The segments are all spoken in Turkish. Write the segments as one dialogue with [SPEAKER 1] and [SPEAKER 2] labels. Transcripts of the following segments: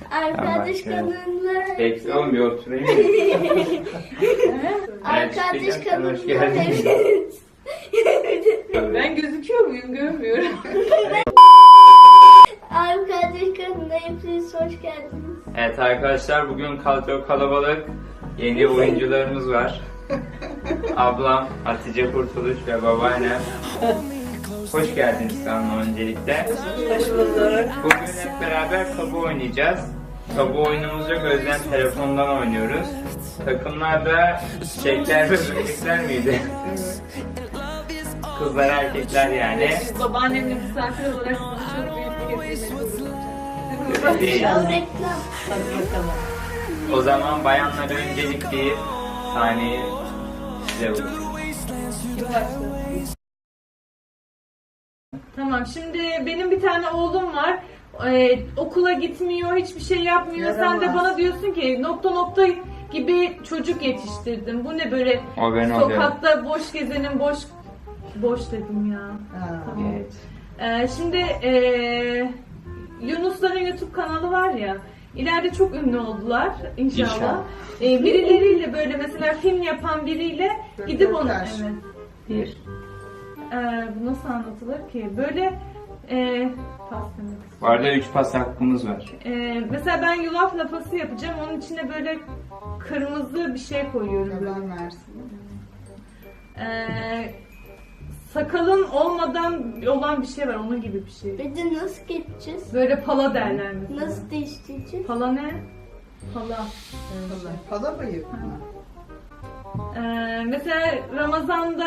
[SPEAKER 1] Arkadaş kanalına
[SPEAKER 2] Bekle oğlum bir oturayım.
[SPEAKER 1] Arkadaş kanalına
[SPEAKER 2] Hoş geldin.
[SPEAKER 1] hepiniz.
[SPEAKER 3] Ben gözüküyor muyum? Görmüyorum.
[SPEAKER 1] Arkadaş kanalına hepiniz hoş geldiniz.
[SPEAKER 2] Evet arkadaşlar bugün kadro kalabalık. Yeni oyuncularımız var. Ablam Hatice Kurtuluş ve babaannem. Hoş geldiniz kanalıma öncelikle.
[SPEAKER 3] Hoş bulduk.
[SPEAKER 2] Bugün hep beraber tabu oynayacağız. Tabu oyunumuzu gözden telefondan oynuyoruz. Takımlarda çiçekler ve böcekler miydi? Kızlar erkekler yani.
[SPEAKER 3] Babaannemle misafir olarak sana çok büyük bir getirmek
[SPEAKER 2] Değil.
[SPEAKER 1] Ya reklam.
[SPEAKER 3] Hadi bakalım.
[SPEAKER 2] O zaman bayanlara öncelik bir saniye size bırakıyorum.
[SPEAKER 3] Tamam, şimdi benim bir tane oğlum var. Okula gitmiyor, hiçbir şey yapmıyor. Sen de bana diyorsun ki nokta nokta gibi çocuk yetiştirdim. Bu ne böyle
[SPEAKER 2] O ben oluyorum.
[SPEAKER 3] sokakta boş gezenin boş dedim ya. Tamam.
[SPEAKER 2] Evet.
[SPEAKER 3] Şimdi Yunusların YouTube kanalı var ya. İleride çok ünlü oldular inşallah.
[SPEAKER 2] İnşallah.
[SPEAKER 3] Birileriyle böyle mesela film yapan biriyle gidip onu evet.
[SPEAKER 2] Bir.
[SPEAKER 3] Bu nasıl anlatılır ki? Böyle pas demek.
[SPEAKER 2] Bu arada 3 pas hakkımız var.
[SPEAKER 3] Mesela ben yulaf lapası yapacağım. Onun içine böyle kırmızı bir şey koyuyorum.
[SPEAKER 4] Yalan versin.
[SPEAKER 3] Sakalın olmadan olan bir şey var. Onun gibi bir şey.
[SPEAKER 1] Bir de nasıl geçeceğiz?
[SPEAKER 3] Böyle pala derler mesela.
[SPEAKER 1] Nasıl değiştireceğiz?
[SPEAKER 3] Pala ne? Pala.
[SPEAKER 4] Pala bayık mı?
[SPEAKER 3] Mesela Ramazan'da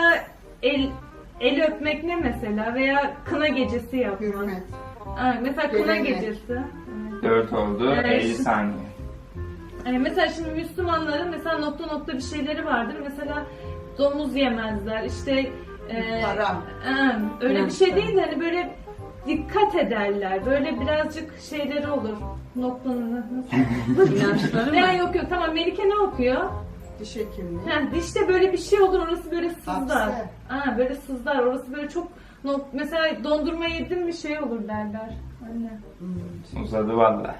[SPEAKER 3] el öpmek ne mesela? Veya kına gecesi yapmak.
[SPEAKER 4] Hürmet.
[SPEAKER 3] Mesela kına
[SPEAKER 4] Gelenek.
[SPEAKER 3] gecesi.
[SPEAKER 2] 4 oldu.
[SPEAKER 3] Evet.
[SPEAKER 2] 50 saniye.
[SPEAKER 3] Mesela şimdi Müslümanların mesela nokta nokta bir şeyleri vardır. Mesela domuz yemezler. İşte
[SPEAKER 4] Haram.
[SPEAKER 3] öyle bir şey değil de hani böyle dikkat ederler. Böyle birazcık şeyleri olur. Noktanın nasıl? Ya yok tamam, Melike ne okuyor?
[SPEAKER 4] Diş hekimliği.
[SPEAKER 3] Dişte böyle bir şey olur, orası böyle sızlar.
[SPEAKER 4] Hapse.
[SPEAKER 3] Böyle sızlar, orası böyle çok mesela dondurma yedim bir şey olur derler. Anne.
[SPEAKER 2] Uzadı valla.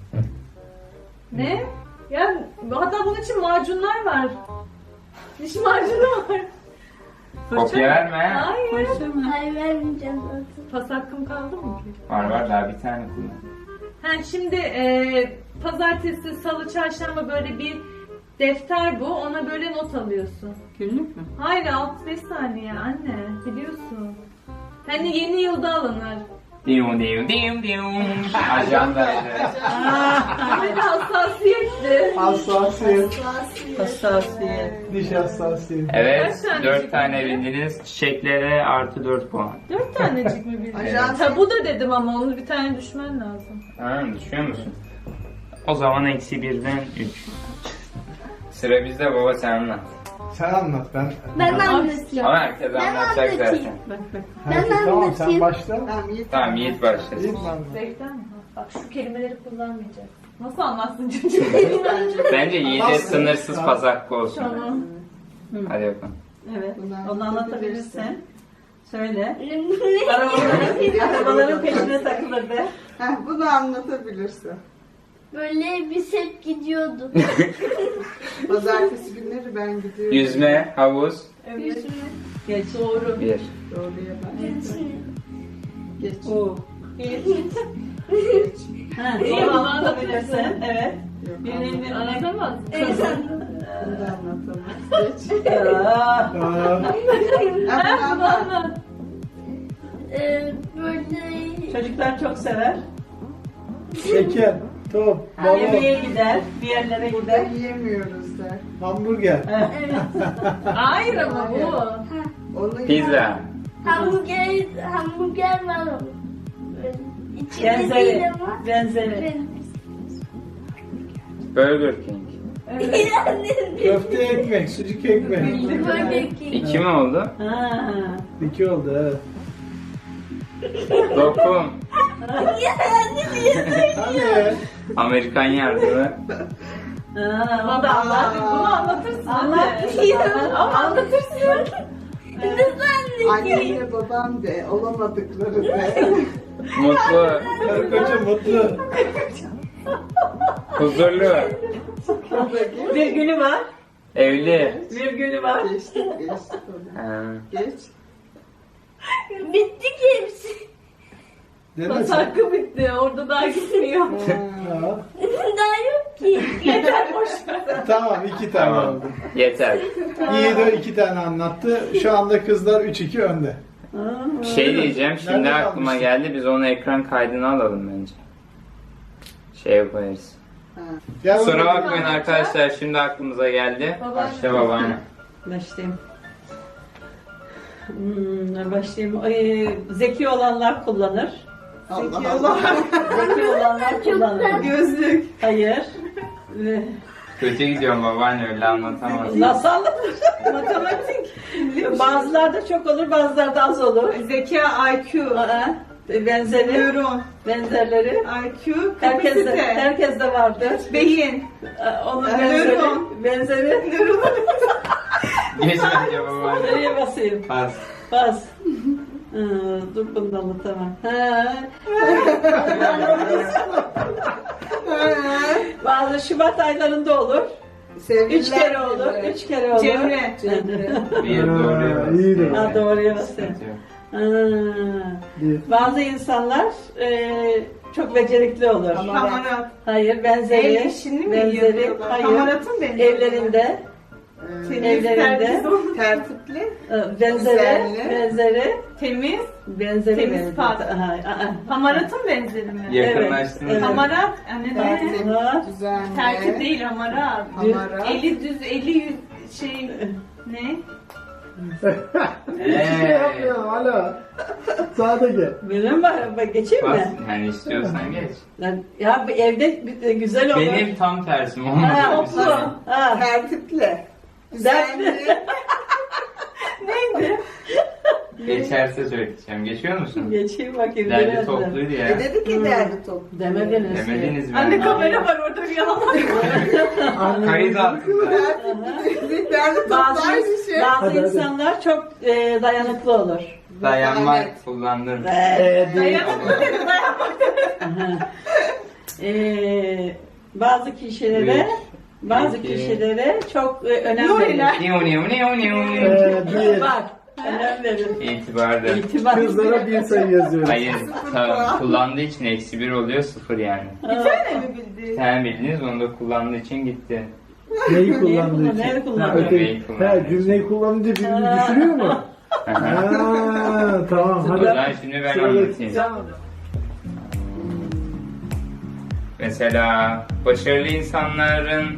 [SPEAKER 3] Ne? Ya hatta bunun için macunlar var. Diş macunu var.
[SPEAKER 2] Kopya verme.
[SPEAKER 3] Hayır.
[SPEAKER 1] Hayır vermeyeceğim zaten.
[SPEAKER 3] Pas hakkım kaldı mı ki?
[SPEAKER 2] Var daha bir tane kullan.
[SPEAKER 3] Şimdi pazartesi, salı, çarşamba böyle bir defter bu. Ona böyle not alıyorsun.
[SPEAKER 5] Günlük mü?
[SPEAKER 3] Hayır 65 saniye anne. Biliyorsun. Hani yeni yılda alınır.
[SPEAKER 2] Diyum diyum diyum diyum. Ajandaydı.
[SPEAKER 3] Böyle hassasiyetli.
[SPEAKER 5] Hassasiyet.
[SPEAKER 1] Klasik.
[SPEAKER 5] Hassasiyet.
[SPEAKER 4] Diş hassasiyeti.
[SPEAKER 2] Evet,
[SPEAKER 3] Kaç tane
[SPEAKER 2] 4
[SPEAKER 3] çift
[SPEAKER 2] tane
[SPEAKER 3] bildin?
[SPEAKER 2] bildiniz. Çiçeklere artı 4 puan.
[SPEAKER 3] 4 tanecik mi bildin?
[SPEAKER 4] Ajans-
[SPEAKER 3] Tabu da dedim ama onu bir tane düşmen lazım.
[SPEAKER 2] Düşüyor musun? O zaman eksi 1'den 3. Sıra bizde baba, sen anlat.
[SPEAKER 4] Sen anlat ben.
[SPEAKER 1] Ben anlatıyorum.
[SPEAKER 2] Ama herkes
[SPEAKER 1] Ben
[SPEAKER 2] anlatacak
[SPEAKER 1] anlatayım.
[SPEAKER 2] zaten.
[SPEAKER 5] Bak bak.
[SPEAKER 1] Ben
[SPEAKER 4] Tamam sen
[SPEAKER 1] anlatayım.
[SPEAKER 4] başla. Tamam Yiğit.
[SPEAKER 2] Tamam Yiğit başlasın.
[SPEAKER 4] Yiğit mi anlat?
[SPEAKER 3] Zevkten mi? Bak şu kelimeleri kullanmayacağız. Nasıl anlatsın çocuğum?
[SPEAKER 2] Bence Yiğit'e sınırsız pas hakkı olsun.
[SPEAKER 3] Tamam.
[SPEAKER 2] Hadi bakalım.
[SPEAKER 5] Evet.
[SPEAKER 4] Bunu
[SPEAKER 5] Onu anlatabilirsin. Söyle.
[SPEAKER 1] Ne?
[SPEAKER 5] Arabaların peşine takılırdı.
[SPEAKER 4] Heh, bunu anlatabilirsin.
[SPEAKER 1] Böyle biz hep gidiyorduk.
[SPEAKER 4] Pazartesi günleri ben gidiyorum.
[SPEAKER 2] Yüzme, havuz,
[SPEAKER 3] Evet.
[SPEAKER 5] Geç.
[SPEAKER 3] Doğru.
[SPEAKER 2] 1.
[SPEAKER 4] Doğruya ben. Geç.
[SPEAKER 5] Oo. Ha,
[SPEAKER 3] İyi,
[SPEAKER 5] onu
[SPEAKER 3] onu
[SPEAKER 5] anlatabilirsin. Evet.
[SPEAKER 4] Yok,
[SPEAKER 5] Birinin
[SPEAKER 3] Anlatamaz mısın?
[SPEAKER 1] Evet.
[SPEAKER 4] Bunu da anlatamaz. Geç.
[SPEAKER 5] Aa,
[SPEAKER 4] Ha, bunu anlat.
[SPEAKER 1] Böyle
[SPEAKER 5] çocuklar çok sever.
[SPEAKER 6] Şeker, top,
[SPEAKER 5] Yemeğe gider, bir yerlere
[SPEAKER 4] Burada
[SPEAKER 5] gider.
[SPEAKER 4] yiyemiyoruz der.
[SPEAKER 6] hamburger.
[SPEAKER 1] evet.
[SPEAKER 3] Hayır ama bu.
[SPEAKER 4] Onu
[SPEAKER 2] Pizza,
[SPEAKER 1] Hamburger var ama. Böyle İçinde değil
[SPEAKER 5] Benzeri.
[SPEAKER 1] ama.
[SPEAKER 5] Benzeri.
[SPEAKER 2] Burger King.
[SPEAKER 6] Köfte ekmek, sucuk ekmek.
[SPEAKER 1] Böyle ki.
[SPEAKER 2] 2 mi oldu?
[SPEAKER 5] Ha.
[SPEAKER 6] 2 oldu evet.
[SPEAKER 2] Lokum,
[SPEAKER 6] Hadi.
[SPEAKER 2] Amerikan yardımı,
[SPEAKER 5] Ha,
[SPEAKER 3] Ama
[SPEAKER 5] o da anlat.
[SPEAKER 3] bunu anlatırsın.
[SPEAKER 5] Anlat.
[SPEAKER 3] Ama anlatırsın.
[SPEAKER 4] annemle babam de olamadıkları de.
[SPEAKER 2] mutlu,
[SPEAKER 6] Karı koca mutlu.
[SPEAKER 2] Huzurlu.
[SPEAKER 5] Bir günü var.
[SPEAKER 2] Evli.
[SPEAKER 5] Bir günü var.
[SPEAKER 4] Geçtik onu.
[SPEAKER 2] Ha.
[SPEAKER 4] Geç.
[SPEAKER 1] Bitti ki hepsi.
[SPEAKER 6] Dene
[SPEAKER 3] Pas
[SPEAKER 6] sen.
[SPEAKER 3] hakkı bitti. Orada daha gitmiyor.
[SPEAKER 6] Ha.
[SPEAKER 1] Daha yok ki.
[SPEAKER 3] Yeter boş ver.
[SPEAKER 6] Tamam 2 tane
[SPEAKER 2] Tamam.
[SPEAKER 6] oldu.
[SPEAKER 2] Yeter.
[SPEAKER 6] İyi de 2 tane anlattı. Şu anda kızlar 3-2 önde.
[SPEAKER 2] Bir şey diyeceğim. Şimdi
[SPEAKER 6] Nerede
[SPEAKER 2] aklıma
[SPEAKER 6] kalmıştık?
[SPEAKER 2] geldi. Biz onu ekran kaydına alalım bence. Şey yaparız.
[SPEAKER 6] Gel
[SPEAKER 2] Kusura
[SPEAKER 6] bakalım.
[SPEAKER 2] bakmayın arkadaşlar. Şimdi aklımıza geldi. Başla babaanne.
[SPEAKER 5] Başlayayım. Başlayayım. Zeki olanlar kullanır.
[SPEAKER 4] Allah Allah.
[SPEAKER 5] Zeki olanlar kullanır.
[SPEAKER 4] Gözlük.
[SPEAKER 5] Hayır.
[SPEAKER 2] Kötü gidiyorum babaanne, öyle anlatamazsın.
[SPEAKER 5] Nasıl anlatır? Matematik. Bazılarda çok olur, bazılarda az olur.
[SPEAKER 3] Zeka, IQ,
[SPEAKER 5] Benzeri.
[SPEAKER 3] nöron,
[SPEAKER 5] Benzerleri.
[SPEAKER 3] IQ,
[SPEAKER 5] Herkeste,
[SPEAKER 3] kapasite,
[SPEAKER 5] herkeste vardır.
[SPEAKER 3] beyin.
[SPEAKER 5] Onun
[SPEAKER 3] Nöron.
[SPEAKER 5] benzeri.
[SPEAKER 2] Geç bence babaanne.
[SPEAKER 5] Nereye basayım?
[SPEAKER 2] Pas.
[SPEAKER 5] Bas. Dur bunu da anlatamam. Bazı Şubat aylarında olur.
[SPEAKER 4] Sevgililer
[SPEAKER 5] 3 kere
[SPEAKER 4] günü.
[SPEAKER 5] olur. 3 kere olur.
[SPEAKER 3] Cemre.
[SPEAKER 2] Bir doğruya bas.
[SPEAKER 6] iyi de.
[SPEAKER 5] Ha, doğruya basayım.
[SPEAKER 2] Sıkıntı yok.
[SPEAKER 6] Bir.
[SPEAKER 5] Bazı insanlar çok becerikli olur.
[SPEAKER 3] Hamarat.
[SPEAKER 5] Hayır, benzeri.
[SPEAKER 3] Ev işini mi
[SPEAKER 5] benzeri.
[SPEAKER 3] yapıyorlar?
[SPEAKER 5] Hayır.
[SPEAKER 3] Hamaratın benzeri.
[SPEAKER 5] Evlerinde. Evlerinde.
[SPEAKER 4] Tertipli.
[SPEAKER 5] Benzeri.
[SPEAKER 4] Güzelli.
[SPEAKER 5] Benzeri.
[SPEAKER 3] Temiz.
[SPEAKER 5] Benzeri.
[SPEAKER 3] Temiz
[SPEAKER 5] benzeri.
[SPEAKER 3] pat.
[SPEAKER 5] Aha,
[SPEAKER 3] Hamaratın benzeri mi?
[SPEAKER 2] Yakınlaştınız.
[SPEAKER 5] Evet.
[SPEAKER 3] Hamarat. Yani ne?
[SPEAKER 4] Tertip.
[SPEAKER 5] aha.
[SPEAKER 4] Düzenli.
[SPEAKER 3] Tertip değil hamarat.
[SPEAKER 4] Hamarat.
[SPEAKER 3] Eli düz, eli yüz şey ne?
[SPEAKER 6] Hiçbir şey yapmıyorum hala. Sağda gel.
[SPEAKER 5] Benim var. Geçeyim
[SPEAKER 2] Pas.
[SPEAKER 5] mi?
[SPEAKER 2] Yani istiyorsan geç.
[SPEAKER 5] Ya bu evde güzel olur.
[SPEAKER 2] Benim tam tersim
[SPEAKER 5] Ha,
[SPEAKER 2] olmadı.
[SPEAKER 5] mutlu. Ha.
[SPEAKER 4] Tertipli. Düzenli.
[SPEAKER 5] Neydi?
[SPEAKER 2] Geçerse söyleyeceğim. Geçiyor musun?
[SPEAKER 5] Geçeyim bakayım.
[SPEAKER 2] Derli
[SPEAKER 5] birazdan.
[SPEAKER 2] topluydu ya.
[SPEAKER 4] Dedi ki derdi toplu.
[SPEAKER 5] Demediniz.
[SPEAKER 2] Demediniz mi?
[SPEAKER 3] Anne kamera var orada bir yalan var.
[SPEAKER 2] Kayıt altında.
[SPEAKER 4] Derdi toplu
[SPEAKER 5] Bazı,
[SPEAKER 4] aynı şey.
[SPEAKER 5] bazı
[SPEAKER 6] Hadi, hadi.
[SPEAKER 5] insanlar çok dayanıklı olur.
[SPEAKER 2] Dayanmak
[SPEAKER 4] Evet.
[SPEAKER 2] kullandım.
[SPEAKER 3] Dayanıklı dedi, dayanmak dedi.
[SPEAKER 5] Bazı kişilere
[SPEAKER 2] İki.
[SPEAKER 5] kişilere çok önem verir.
[SPEAKER 3] Nuriler.
[SPEAKER 2] Niu niu niu niu.
[SPEAKER 6] Bir.
[SPEAKER 5] Bak, önem verir.
[SPEAKER 2] İtibarda.
[SPEAKER 5] İtibar.
[SPEAKER 6] Kızlara bir sayı yazıyoruz.
[SPEAKER 2] Hayır, kullandığı için -1 oluyor, 0 yani.
[SPEAKER 3] Bir tane mi bildi?
[SPEAKER 2] Sen bildiniz, onu da kullandığı için gitti.
[SPEAKER 6] Neyi kullandığı için?
[SPEAKER 5] Neyi kullandığı?
[SPEAKER 6] Ha, öteki-
[SPEAKER 2] Neyi kullandığı
[SPEAKER 6] Ha,
[SPEAKER 2] için.
[SPEAKER 6] cümleyi kullanınca birbirini düşürüyor mu? Ha, tamam
[SPEAKER 2] O
[SPEAKER 6] hadi.
[SPEAKER 2] zaman şimdi ben anlatayım.
[SPEAKER 5] Tamam.
[SPEAKER 2] Mesela başarılı insanların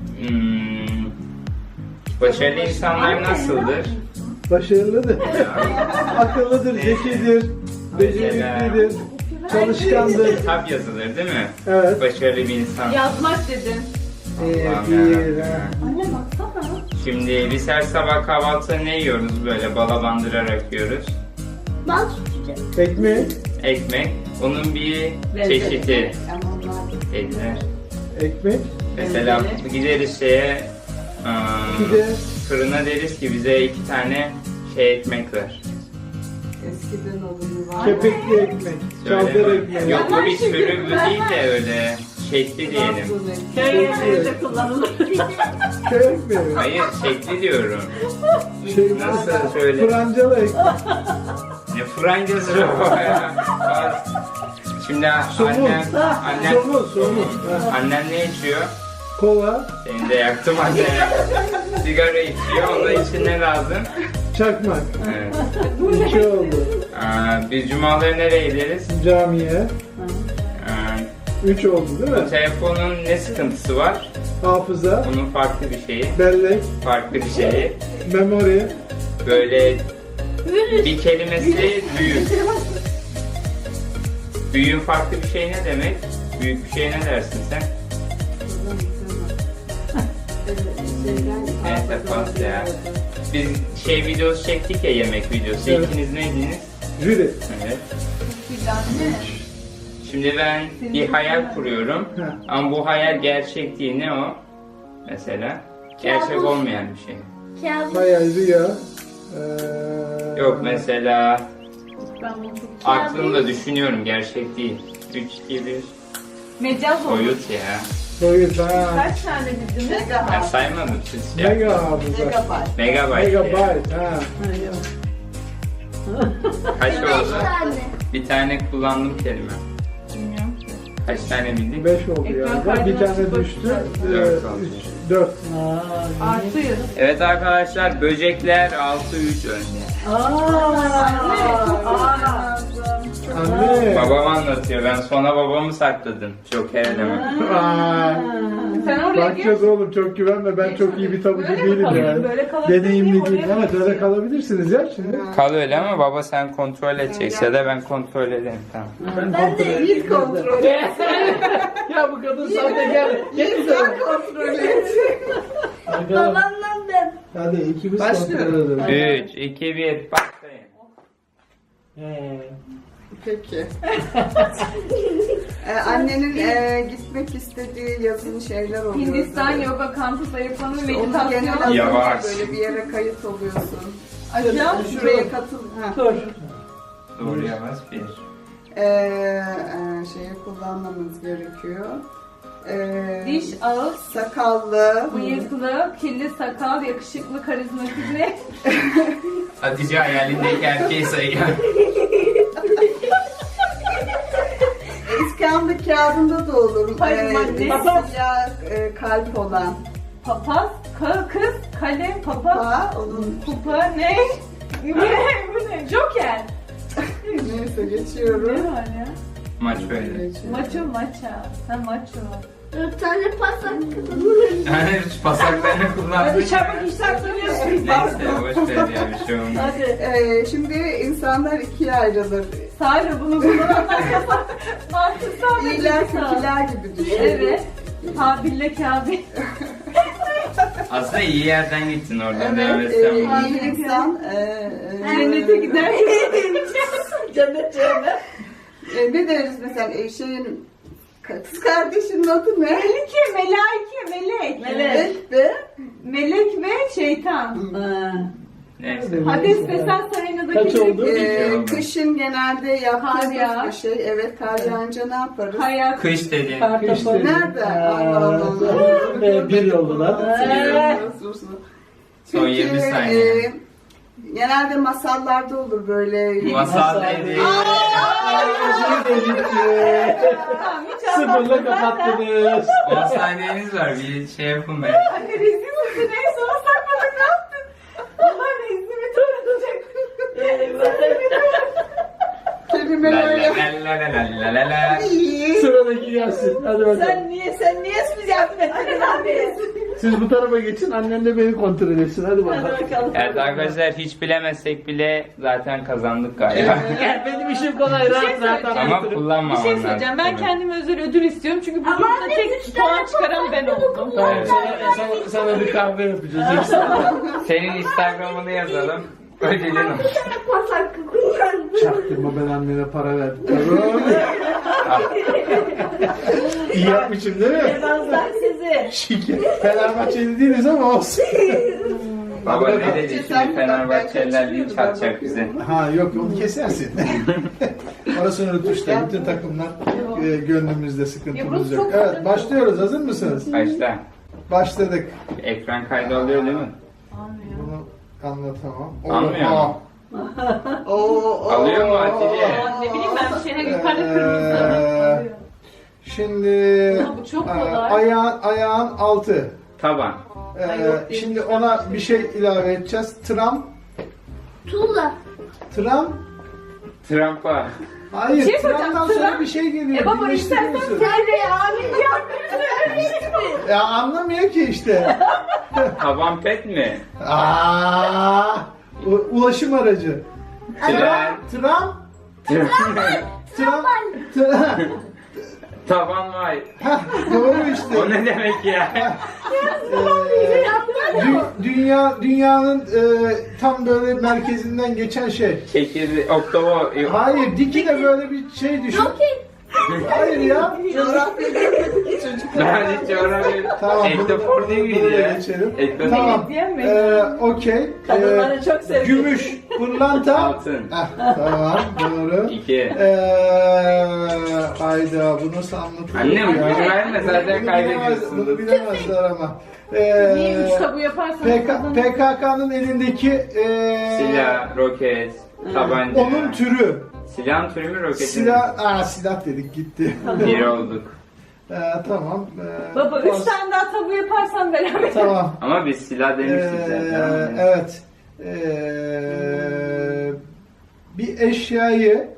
[SPEAKER 2] başarılı insanlar nasıldır?
[SPEAKER 6] Başarılıdır. Akıllıdır, zekidir, beceriklidir, çalışkandır.
[SPEAKER 2] Kitap yazılır değil mi?
[SPEAKER 6] Evet.
[SPEAKER 2] Başarılı bir insan.
[SPEAKER 3] Yazmak dedin.
[SPEAKER 6] Bir, ha.
[SPEAKER 3] Anne baksana.
[SPEAKER 2] Şimdi biz her sabah kahvaltıda ne yiyoruz, böyle bala bandırarak yiyoruz?
[SPEAKER 1] Bal tutacağım.
[SPEAKER 6] Ekmek,
[SPEAKER 2] Ekmek. Onun bir
[SPEAKER 5] Lezzeti.
[SPEAKER 2] çeşidi.
[SPEAKER 4] Ama onlar
[SPEAKER 2] Dediler.
[SPEAKER 6] ekmek,
[SPEAKER 2] Mesela gideriz şeye
[SPEAKER 6] pide,
[SPEAKER 2] fırına, deriz ki bize 2 tane şey ekmek ver.
[SPEAKER 4] eskiden olur var.
[SPEAKER 6] kepekli ekmek, çaldır
[SPEAKER 2] Söyleme.
[SPEAKER 6] ekmek.
[SPEAKER 2] Yok bu bir sürü bu değil de öyle şekli diyelim.
[SPEAKER 5] Köy evlerinde kullanılır.
[SPEAKER 6] Köy ekmeği.
[SPEAKER 2] Hayır şekli diyorum.
[SPEAKER 6] Şey,
[SPEAKER 2] Nasıl söyle?
[SPEAKER 6] Francalı ekmek.
[SPEAKER 2] Ne francası o ya. Şimdi annem
[SPEAKER 6] Somun. Ha,
[SPEAKER 2] annem ne içiyor?
[SPEAKER 6] kola,
[SPEAKER 2] Seni de yaktım anne. Sigara içiyor. Onun için ne lazım?
[SPEAKER 6] çakmak.
[SPEAKER 2] Evet.
[SPEAKER 6] 2 oldu.
[SPEAKER 2] Biz cumaları nereye gideriz?
[SPEAKER 6] Camiye. 3 oldu değil mi?
[SPEAKER 2] Telefonun ne sıkıntısı var?
[SPEAKER 6] Hafıza,
[SPEAKER 2] Onun farklı bir şeyi.
[SPEAKER 6] bellek,
[SPEAKER 2] Farklı bir şeyi.
[SPEAKER 6] memori,
[SPEAKER 2] Böyle bir kelimesi büyük. Büyüğün farklı bir şey ne demek? Büyük bir şey ne dersin sen? Neyse pas ya. Biz şey videosu çektik ya, yemek videosu.
[SPEAKER 6] Evet.
[SPEAKER 2] İkiniz neydiniz?
[SPEAKER 6] jüri.
[SPEAKER 2] Evet. Şimdi ben bir hayal kuruyorum.
[SPEAKER 6] Ha.
[SPEAKER 2] Ama bu hayal gerçek değil. Ne o? Mesela. Gerçek
[SPEAKER 1] Kabus.
[SPEAKER 2] olmayan bir şey.
[SPEAKER 1] Kabus.
[SPEAKER 6] Hayal, rüya.
[SPEAKER 2] Yok mesela
[SPEAKER 3] Ben bunu çok...
[SPEAKER 2] aklımda düşünüyorum, gerçek değil. 3, 2, 1.
[SPEAKER 3] Mecaz olur.
[SPEAKER 2] Soyut ya.
[SPEAKER 6] Boyut ha.
[SPEAKER 3] Kaç tane bildiniz?
[SPEAKER 2] Ben
[SPEAKER 4] Megabyte.
[SPEAKER 2] saymadım siz.
[SPEAKER 6] Mega hafıza.
[SPEAKER 4] Megabyte.
[SPEAKER 2] Megabyte.
[SPEAKER 6] Megabyte ha.
[SPEAKER 2] Kaç
[SPEAKER 1] 5
[SPEAKER 2] oldu?
[SPEAKER 1] tane.
[SPEAKER 2] Bir tane kullandım kelime.
[SPEAKER 3] Bilmiyorum.
[SPEAKER 2] Kaç tane bildik?
[SPEAKER 6] 5 oldu
[SPEAKER 3] Ekran
[SPEAKER 6] yani.
[SPEAKER 3] kaydına
[SPEAKER 6] Bir tane
[SPEAKER 3] sıfır.
[SPEAKER 6] düştü.
[SPEAKER 2] Dört oldu.
[SPEAKER 6] 4.
[SPEAKER 3] Artıyor.
[SPEAKER 2] Evet arkadaşlar, böcekler 6-3 önde.
[SPEAKER 6] Anne.
[SPEAKER 2] Babam anlatıyor. Ben sona babamı sakladım. Joker eleme.
[SPEAKER 3] Sen oraya
[SPEAKER 6] Bakacağız oğlum, çok güvenme, ben çok iyi bir tabucu
[SPEAKER 3] Böyle mi
[SPEAKER 6] değilim
[SPEAKER 3] kalayım?
[SPEAKER 6] yani.
[SPEAKER 3] Böyle kalabilir
[SPEAKER 6] Deneyimli
[SPEAKER 3] miyim?
[SPEAKER 6] değilim.
[SPEAKER 3] Oraya
[SPEAKER 6] Evet,
[SPEAKER 3] mı
[SPEAKER 6] öyle kalabilirsiniz ya şimdi.
[SPEAKER 2] Kal öyle ama baba sen kontrol edeceksin ya da ben kontrol ederim, tamam.
[SPEAKER 1] Ben de
[SPEAKER 4] İlk kontrol et.
[SPEAKER 6] Ya bu kadın sahtekar.
[SPEAKER 4] Sen kontrol et.
[SPEAKER 1] babamdan ben.
[SPEAKER 6] Hadi ikimiz
[SPEAKER 4] Başlıyorum.
[SPEAKER 6] kontrol edelim.
[SPEAKER 2] 3, 2, 1, başlayın.
[SPEAKER 4] Peki. Annenin gitmek istediği yazın şeyler oluyor.
[SPEAKER 3] Hindistan yoga kampı zayıflama
[SPEAKER 4] Onu genel
[SPEAKER 3] meditasyonu.
[SPEAKER 2] Yavaş.
[SPEAKER 4] böyle bir yere kayıt oluyorsun.
[SPEAKER 3] Aşağı.
[SPEAKER 4] Şuraya katıl. Ha.
[SPEAKER 2] Doğru yavaş 1.
[SPEAKER 4] Şeyi kullanmamız gerekiyor.
[SPEAKER 3] Diş, ağız,
[SPEAKER 4] Sakallı.
[SPEAKER 3] bıyıklı, kirli sakal, yakışıklı, karizmatik ne?
[SPEAKER 2] Hatice hayalindeki erkeği sayıyor.
[SPEAKER 4] İskambil kağıdında da olur.
[SPEAKER 3] Hayır, madde.
[SPEAKER 4] Siyah kalp olan.
[SPEAKER 3] Papaz, kız, kalem, papaz,
[SPEAKER 4] Ha, onun
[SPEAKER 3] pupa, ne? Bu ne? Joker.
[SPEAKER 4] neyse
[SPEAKER 3] Ne
[SPEAKER 4] geçiyorum.
[SPEAKER 3] var ya?
[SPEAKER 2] Maç böyle.
[SPEAKER 4] Geçiyorum.
[SPEAKER 3] Maço, maça. Ha maço.
[SPEAKER 1] 4 tane pas hakkı.
[SPEAKER 2] Yani pasaklarını kullandın.
[SPEAKER 5] Hadi çabuk işler soruyorsun.
[SPEAKER 2] Neyse boş ver ya, bir şey olmaz.
[SPEAKER 5] Hadi.
[SPEAKER 4] Şimdi insanlar ikiye ayrılır.
[SPEAKER 3] Sadece bunu kullananlar yasak. Mantıksal ve
[SPEAKER 4] İyiler
[SPEAKER 3] duygusal.
[SPEAKER 4] kötüler gibi düşün.
[SPEAKER 3] Evet. Kabille Kabil.
[SPEAKER 2] Aslında iyi yerden gittin oradan devam
[SPEAKER 4] Evet,
[SPEAKER 2] etsem.
[SPEAKER 4] iyi insan.
[SPEAKER 3] Cennete gider.
[SPEAKER 5] Cennet cennet.
[SPEAKER 4] Ne deriz mesela şeyin kız kardeşinin adı ne?
[SPEAKER 3] Melike, melaike, melek.
[SPEAKER 4] Melek ve
[SPEAKER 3] Melek ve şeytan.
[SPEAKER 2] Neyse.
[SPEAKER 3] Hades ve sen Sarena'daki
[SPEAKER 6] Kaç oldu?
[SPEAKER 4] kışın genelde
[SPEAKER 3] Kar
[SPEAKER 4] yaptığımız
[SPEAKER 3] yağar.
[SPEAKER 4] bir şey. Evet, kar yağınca ne yaparız?
[SPEAKER 3] Kayak.
[SPEAKER 2] Kış dedin.
[SPEAKER 6] İşte.
[SPEAKER 4] Nerede? Allah Allah.
[SPEAKER 6] Bir oldular.
[SPEAKER 2] Son 20 saniye.
[SPEAKER 4] Genelde masallarda olur böyle.
[SPEAKER 2] Masal dedi.
[SPEAKER 3] Tamam, hiç
[SPEAKER 6] Sıfırla kapattınız.
[SPEAKER 2] 10 saniyeniz var, bir şey yapın be.
[SPEAKER 3] Anne rezil misin? En sona sakladın, ne yaptın? Allah reznimi tanıtacak.
[SPEAKER 2] La
[SPEAKER 4] Kelimelerle.
[SPEAKER 2] la la la la la la.
[SPEAKER 6] Sıradaki gelsin. Hadi bakalım.
[SPEAKER 5] Sen niye biz yardım etmedin abi?
[SPEAKER 6] Siz bu tarafa geçin, annen de beni kontrol etsin. Hadi bakalım.
[SPEAKER 5] Hadi bakalım.
[SPEAKER 2] Evet arkadaşlar, hiç bilemezsek bile zaten kazandık galiba.
[SPEAKER 6] Gel, benim işim kolay, rahat rahat
[SPEAKER 2] Ama
[SPEAKER 6] anlatırım.
[SPEAKER 2] kullanmam.
[SPEAKER 3] Bir şey söyleyeceğim. Ben kendime özel ödül istiyorum. Çünkü bu
[SPEAKER 1] Ama
[SPEAKER 3] grupta
[SPEAKER 1] anne,
[SPEAKER 3] tek
[SPEAKER 1] 3 tane
[SPEAKER 3] puan çıkaran ben oldum.
[SPEAKER 6] Tamam, sana bir kahve yapacağız.
[SPEAKER 2] Senin Instagram'ını yazalım. Ödülün olur.
[SPEAKER 1] Pas hakkı kullandım.
[SPEAKER 6] Çaktırma, ben annene para verdim. İyi yapmışım değil mi?
[SPEAKER 5] Yemezler sizi.
[SPEAKER 6] Şike. Fenerbahçeli değiliz ama olsun.
[SPEAKER 2] Baba ne dedi şimdi, Fenerbahçeliler linç atacak bize.
[SPEAKER 6] Ha yok, onu kesersin. Orasını unutmuşlar. Bütün takımlar gönlümüzde, sıkıntımız yok. Evet, başlıyoruz. Hazır mısınız?
[SPEAKER 2] Başla.
[SPEAKER 6] Başladık.
[SPEAKER 2] Ekran kaydı alıyor değil mi?
[SPEAKER 6] Bunu anlatamam.
[SPEAKER 2] Almıyor mu?
[SPEAKER 4] Alıyor
[SPEAKER 2] mu Hatice?
[SPEAKER 3] Ne bileyim ben bir şeyler yukarıda kırmızı.
[SPEAKER 6] Şimdi
[SPEAKER 3] Ama bu çok kolay.
[SPEAKER 6] ayağın altı.
[SPEAKER 2] Taban.
[SPEAKER 6] Şimdi ona bir şey ilave edeceğiz.
[SPEAKER 1] Tuğla.
[SPEAKER 2] Trampa.
[SPEAKER 6] Hayır,
[SPEAKER 3] Bir şey söyleyeceğim,
[SPEAKER 6] tramdan sonra
[SPEAKER 3] tram-
[SPEAKER 6] bir şey geliyor.
[SPEAKER 3] Baba istersen
[SPEAKER 6] Birleştiriyorsun.
[SPEAKER 3] söyle ya. Ya.
[SPEAKER 6] Ya anlamıyor ki işte.
[SPEAKER 2] Taban pet mi?
[SPEAKER 6] Ulaşım aracı.
[SPEAKER 2] Tren. Taban vay.
[SPEAKER 6] Doğru işte.
[SPEAKER 2] O ne demek ya?
[SPEAKER 6] Dünyanın tam böyle merkezinden geçen şey.
[SPEAKER 2] Çekirdi, oktavo.
[SPEAKER 6] Hayır, diki de böyle bir şey düşün. Hayır ya.
[SPEAKER 2] Ben hiç öğrenmedim.
[SPEAKER 6] Tamam.
[SPEAKER 2] Ektofor değil miydi
[SPEAKER 6] Buraya
[SPEAKER 2] ya?
[SPEAKER 6] geçelim.
[SPEAKER 2] Ektofor.
[SPEAKER 6] Tamam.
[SPEAKER 3] Diyemedim.
[SPEAKER 6] Okey.
[SPEAKER 5] Kadınları çok seviyorum.
[SPEAKER 6] Gümüş. Pırlanta.
[SPEAKER 2] Altın.
[SPEAKER 6] Tamam doğru.
[SPEAKER 2] 2.
[SPEAKER 6] Hayda bu nasıl anlatılır?
[SPEAKER 2] Annem,
[SPEAKER 6] ya?
[SPEAKER 2] bunu verme, zaten kaybediyorsun.
[SPEAKER 6] Bunu bilemezler ama.
[SPEAKER 3] Niye 3 tabu yaparsan
[SPEAKER 6] PKK'nın elindeki
[SPEAKER 2] Silah, roket, tabanca.
[SPEAKER 6] onun türü.
[SPEAKER 2] Silahın türü mü, roketin mi?
[SPEAKER 6] Silah dedik gitti.
[SPEAKER 2] Bir olduk.
[SPEAKER 6] Tamam.
[SPEAKER 3] Baba 3 tane daha tabu yaparsan beraber.
[SPEAKER 6] Tamam.
[SPEAKER 2] Ama biz silah demiştik zaten.
[SPEAKER 6] Evet. Bir eşyayı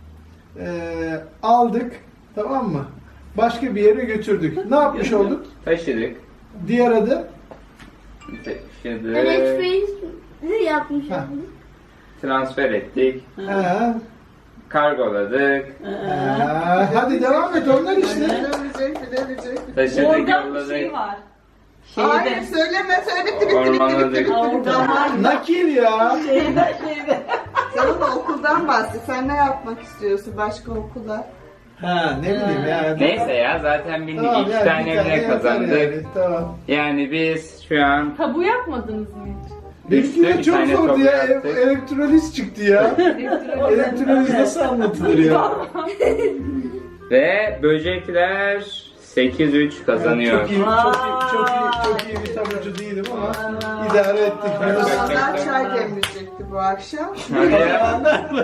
[SPEAKER 6] aldık, tamam mı? Başka bir yere götürdük. Ne yapmış olduk?
[SPEAKER 2] Taşıdık.
[SPEAKER 6] Diğer adı?
[SPEAKER 2] Taşıdık.
[SPEAKER 1] Elektriği yapmış.
[SPEAKER 6] Ha.
[SPEAKER 2] Transfer ettik.
[SPEAKER 6] Ha.
[SPEAKER 2] Kargoladık.
[SPEAKER 6] Hadi devam et onlar işte.
[SPEAKER 4] Bilemeyecek.
[SPEAKER 2] Taşıdık,
[SPEAKER 3] Oradan bir şey
[SPEAKER 2] yolladık.
[SPEAKER 3] var.
[SPEAKER 4] Hayır söyleme söyle bitti.
[SPEAKER 2] Ormanladık.
[SPEAKER 6] Nakil ya.
[SPEAKER 4] Sen ama okuldan bahset. Sen ne yapmak istiyorsun başka okulda?
[SPEAKER 6] Ha ne bileyim ya.
[SPEAKER 2] Neyse ya, zaten bindik.
[SPEAKER 6] Tamam,
[SPEAKER 2] 2
[SPEAKER 6] yani
[SPEAKER 2] tane
[SPEAKER 6] bir tane
[SPEAKER 2] bile
[SPEAKER 6] yeter
[SPEAKER 2] kazandık.
[SPEAKER 6] yani, tamam.
[SPEAKER 2] Yani biz şu an
[SPEAKER 3] Tabu yapmadınız mı hiç?
[SPEAKER 6] Benimki de
[SPEAKER 2] bir
[SPEAKER 6] çok
[SPEAKER 2] tane
[SPEAKER 6] zordu
[SPEAKER 2] tabu
[SPEAKER 6] ya.
[SPEAKER 2] yaptık.
[SPEAKER 6] Elektroliz çıktı ya. Elektroliz nasıl anlatılır ya?
[SPEAKER 2] Ve böcekler 8-3 kazanıyor.
[SPEAKER 6] Çok iyi bir tabucu değilim ama idare ettik.
[SPEAKER 4] Onlar çay demleyecekti bu akşam.
[SPEAKER 2] Hadi ya.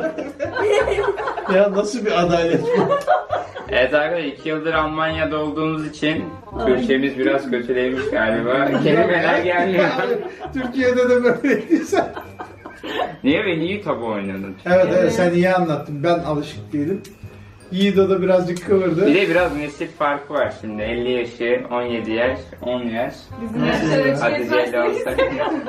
[SPEAKER 6] Ya nasıl bir adalet bu?
[SPEAKER 2] Evet arkadaşlar, 2 yıldır Almanya'da olduğumuz için Türkçemiz biraz kötülemiş galiba. Kelimeler gelmiyor.
[SPEAKER 6] Türkiye'de de böyleydiyse.
[SPEAKER 2] Niye ben iyi tabu oynadın?
[SPEAKER 6] Evet sen iyi anlattın. Ben alışık değilim. Yiğido da birazcık kıvırdı.
[SPEAKER 2] Bir de biraz nesil farkı var şimdi. 50 yaşı, 17 yaş, 10 yaş.
[SPEAKER 3] Bizim yaşlara
[SPEAKER 2] Hatice ile olsak.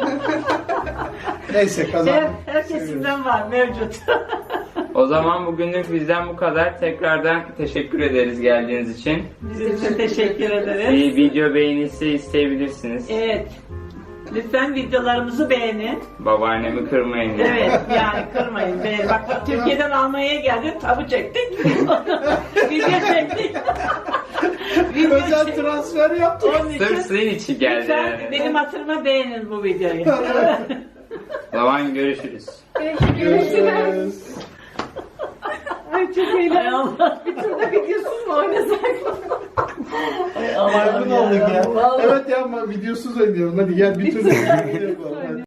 [SPEAKER 6] Neyse kazan.
[SPEAKER 5] Her kesimden var mevcut.
[SPEAKER 2] O zaman bugünlük bizden bu kadar. Tekrardan teşekkür ederiz geldiğiniz için.
[SPEAKER 5] Biz de teşekkür ederiz.
[SPEAKER 2] Bir video beğenisi isteyebilirsiniz.
[SPEAKER 5] Evet. Lütfen videolarımızı beğenin.
[SPEAKER 2] Babaannemi kırmayın.
[SPEAKER 5] Evet yani kırmayın. Bak Türkiye'den Almanya'ya geldik, tabu çektik. Video çektik.
[SPEAKER 6] Özel transfer yaptık.
[SPEAKER 5] Onun için
[SPEAKER 2] Sırf sizin için geldi
[SPEAKER 5] lütfen
[SPEAKER 2] yani.
[SPEAKER 5] benim hatırıma beğenin bu videoyu.
[SPEAKER 2] O zaman görüşürüz.
[SPEAKER 6] Görüşürüz.
[SPEAKER 3] Ay çok eğlenceli. Bir turda videosuz mu oynasak?
[SPEAKER 6] Maymun olduk ya. Evet ya ama videosuz oynayalım. Hadi gel bir tur.